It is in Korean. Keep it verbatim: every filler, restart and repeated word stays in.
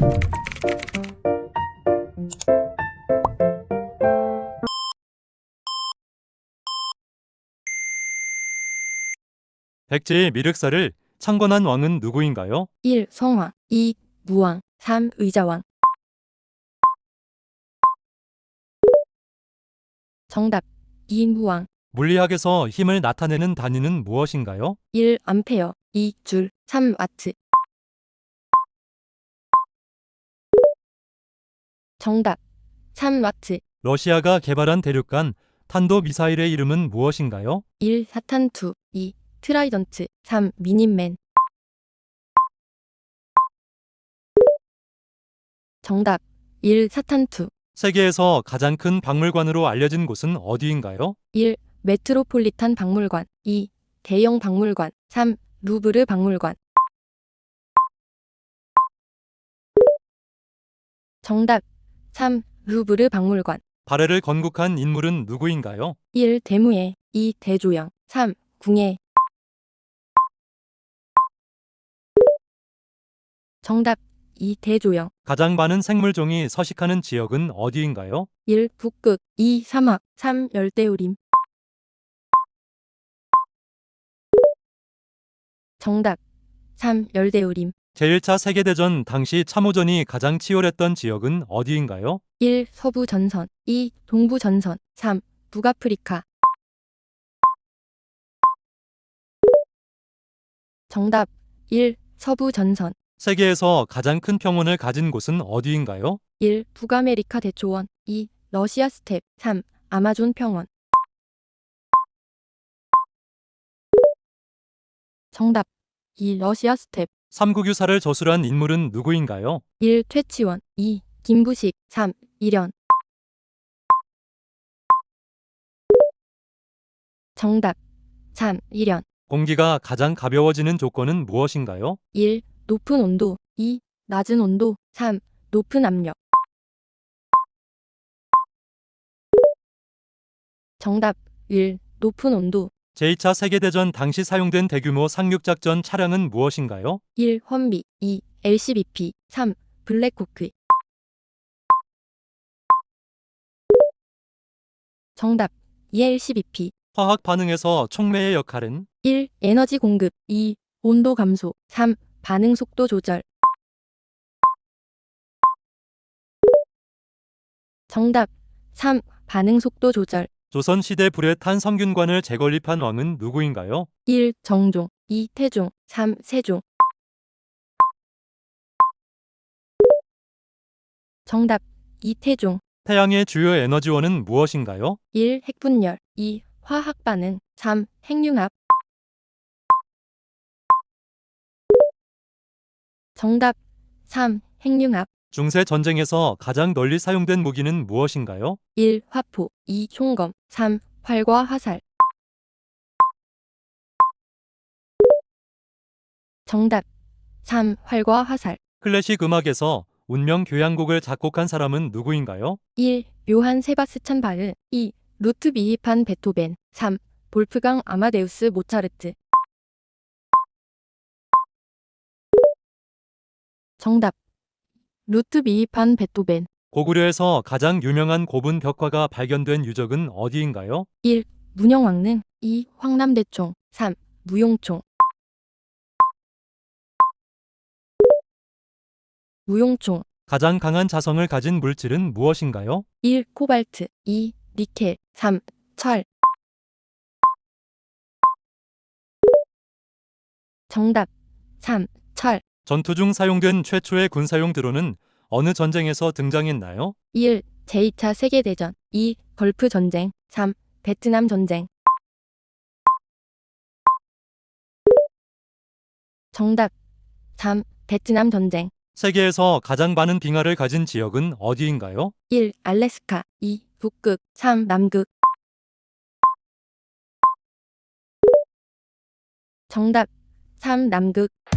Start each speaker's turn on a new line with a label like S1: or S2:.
S1: 백제의 미륵사를 창건한 왕은 누구인가요?
S2: 일. 성왕 이. 무왕 삼. 의자왕. 정답 이. 무왕.
S1: 물리학에서 힘을 나타내는 단위는 무엇인가요?
S2: 일. 암페어 이. 줄 삼. 와트. 정답 삼. 와트.
S1: 러시아가 개발한 대륙간 탄도미사일의 이름은 무엇인가요?
S2: 일. 사탄투 이. 트라이던트 삼. 미닌맨. 정답 일. 사탄투.
S1: 세계에서 가장 큰 박물관으로 알려진 곳은 어디인가요?
S2: 일. 메트로폴리탄 박물관 이. 대영 박물관 삼. 루브르 박물관. 정답 삼. 루브르 박물관.
S1: 발해를 건국한 인물은 누구인가요?
S2: 일. 대무예 이. 대조영 삼. 궁예. 정답 이. 대조영.
S1: 가장 많은 생물종이 서식하는 지역은 어디인가요?
S2: 일. 북극 이. 사막 삼. 열대우림. 정답 삼. 열대우림.
S1: 제일 차 세계대전 당시 참호전이 가장 치열했던 지역은 어디인가요?
S2: 일. 서부전선 이. 동부전선 삼. 북아프리카. 정답 일. 서부전선.
S1: 세계에서 가장 큰 평원을 가진 곳은 어디인가요?
S2: 일. 북아메리카 대초원 이. 러시아 스텝 삼. 아마존 평원. 정답 이. 러시아 스텝.
S1: 삼국유사를 저술한 인물은 누구인가요?
S2: 일. 퇴치원 이. 김부식 삼. 일현. 정답 삼. 일현.
S1: 공기가 가장 가벼워지는 조건은 무엇인가요?
S2: 일. 높은 온도 이. 낮은 온도 삼. 높은 압력. 정답 일. 높은 온도.
S1: 제이 차 세계대전 당시 사용된 대규모 상륙작전 차량은 무엇인가요?
S2: 일. 헌비 이. 엘씨비피 삼. 블랙호크. 정답 이. 엘씨비피.
S1: 화학 반응에서 촉매의 역할은?
S2: 일. 에너지 공급 이. 온도 감소 삼. 반응 속도 조절. 정답 삼. 반응 속도 조절.
S1: 조선시대 불에 탄 성균관을 재건립한 왕은 누구인가요?
S2: 일. 정종 이. 태종 삼. 세종. 정답 이. 태종.
S1: 태양의 주요 에너지원은 무엇인가요?
S2: 일. 핵분열 이. 화학 반응 삼. 핵융합. 정답 삼. 핵융합.
S1: 중세 전쟁에서 가장 널리 사용된 무기는 무엇인가요?
S2: 일. 화포 이. 총검 삼. 활과 화살. 정답 삼. 활과 화살.
S1: 클래식 음악에서 운명 교향곡을 작곡한 사람은 누구인가요?
S2: 일. 요한 세바스찬 바흐 이. 루트비히 판 베토벤 삼. 볼프강 아마데우스 모차르트. 정답 루트비히 판 베토벤.
S1: 고구려에서 가장 유명한 고분 벽화가 발견된 유적은 어디인가요?
S2: 일. 문영왕릉 이. 황남대총 삼. 무용총. 무용총.
S1: 가장 강한 자성을 가진 물질은 무엇인가요?
S2: 일. 코발트 이. 니켈 삼. 철. 정답 삼. 철. 전투
S1: 중 사용된 최초의 군사용 드론은 어느 전쟁에서 등장했나요?
S2: 일. 제이 차 세계대전 이. 걸프 전쟁 삼. 베트남 전쟁. 정답 삼. 베트남 전쟁.
S1: 세계에서 가장 많은 빙하를 가진 지역은 어디인가요?
S2: 일. 알래스카 이. 북극 삼. 남극. 정답 삼. 남극.